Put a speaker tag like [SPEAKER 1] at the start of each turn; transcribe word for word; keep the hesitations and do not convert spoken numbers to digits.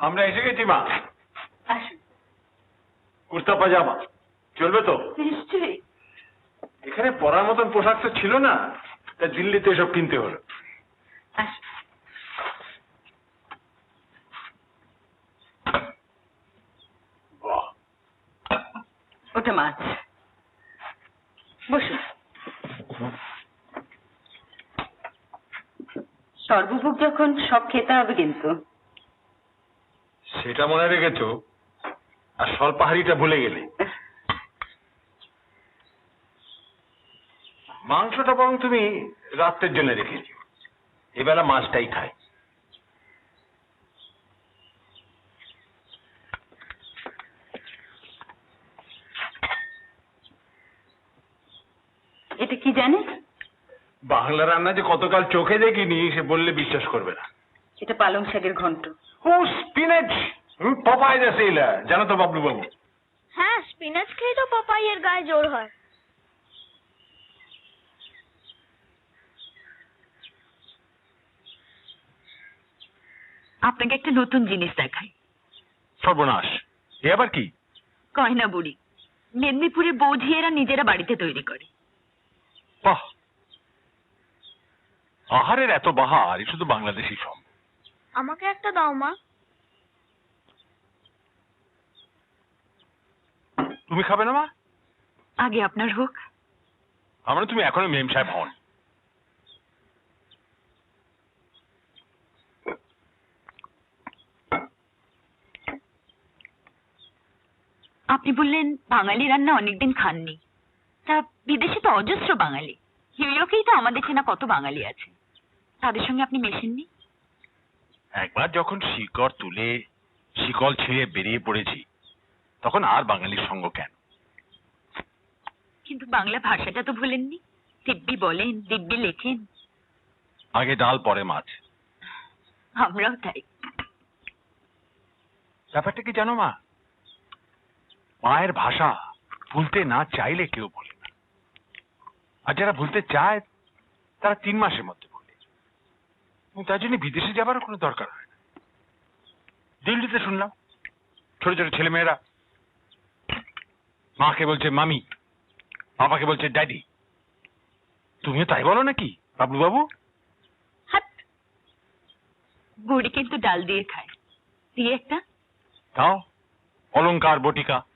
[SPEAKER 1] আমরা এসে গেছি মা।
[SPEAKER 2] আসুন।
[SPEAKER 1] কুর্তা পাজামা চলবে তো?
[SPEAKER 2] নিশ্চয়ই।
[SPEAKER 1] এখানে পরার মতন পোশাক তো ছিল না, তা দিল্লিতে এসব কিনতে হলো।
[SPEAKER 2] আসুন।
[SPEAKER 1] বাহ,
[SPEAKER 2] ওটা মাছ। বসুন। সর্বভোগ যখন সব খেতে হবে কিন্তু।
[SPEAKER 1] সেটা মনে রেখেছো, আর স্বল্পাহারিটা ভুলে গেলে। মাংসটা বরং তুমি রাত্রের জন্য রেখেছো, এবেলা মাছটাই খাই।
[SPEAKER 2] এটা কি জানে?
[SPEAKER 1] বাংলা রান্না যে কতকাল চোখে দেখিনি সে বললে বিশ্বাস করবে না।
[SPEAKER 2] এটা পালং শাকের ঘন্ট।
[SPEAKER 1] ও স্পিনাচ, পপাই আছে এলা, জানো তো বাবলু বাবু?
[SPEAKER 3] হ্যাঁ, স্পিনাচ খেয়ে তো পপাইয়ের গায়ে জোর হয়।
[SPEAKER 2] আপনাকে একটা নতুন জিনিস দেখাই।
[SPEAKER 1] সর্বনাশ, এ আবার কি?
[SPEAKER 2] গয়না বুড়ি মেদিনীপুরে বৌঝিয়েরা নিজেরা বাড়িতে তৈরি করে।
[SPEAKER 1] বাহ, আহারের এত বাহার এ শুধু বাংলাদেশই সম্ভব।
[SPEAKER 3] আমাকে একটা দাও মা।
[SPEAKER 1] তুমি খাবে না মা?
[SPEAKER 2] আগে আপনার হোক।
[SPEAKER 1] আমরা তুমি এখনো মেম সাহেব হন।
[SPEAKER 2] আপনি বললেন বাঙালি রান্না অনেকদিন খাননি, তা বিদেশে তো অজস্র বাঙালি। নিউ ইয়র্কেই তো আমাদের চেনা কত বাঙালি আছে, তাদের সঙ্গে আপনি মেশেননি?
[SPEAKER 1] একবার যখন শিকড় তুলে শিকল ছিঁড়ে বেরিয়ে পড়েছি, তখন আর বাঙালির সঙ্গ কেন?
[SPEAKER 2] কিন্তু বাংলা ভাষাটা তো ভুলেননি। দিব্যি বলেন, দিব্যি লেখেন।
[SPEAKER 1] আগে ডাল পরে মাছ।
[SPEAKER 2] আমরাও তাই।
[SPEAKER 1] ব্যাপারটা কি জানো মা, মায়ের ভাষা ভুলতে না চাইলে কেউ বলে না, আর যারা ভুলতে চায় তারা তিন মাসের মধ্যে বলে। তার জন্য বিদেশে যাবারও কোনো দরকার হয় না। দিল্লিতে শুনলাম ছোট ছোট ছেলে মেয়েরা মাকে বলছে মামি, বাবাকে বলছে ড্যাডি। তুমিও তাই বলো নাকি বাবলু বাবু?
[SPEAKER 2] হাট, বুড়ি কিন্তু ডাল দিয়ে খায়। দিয়ে একটা
[SPEAKER 1] তাও অলংকার বটিকা।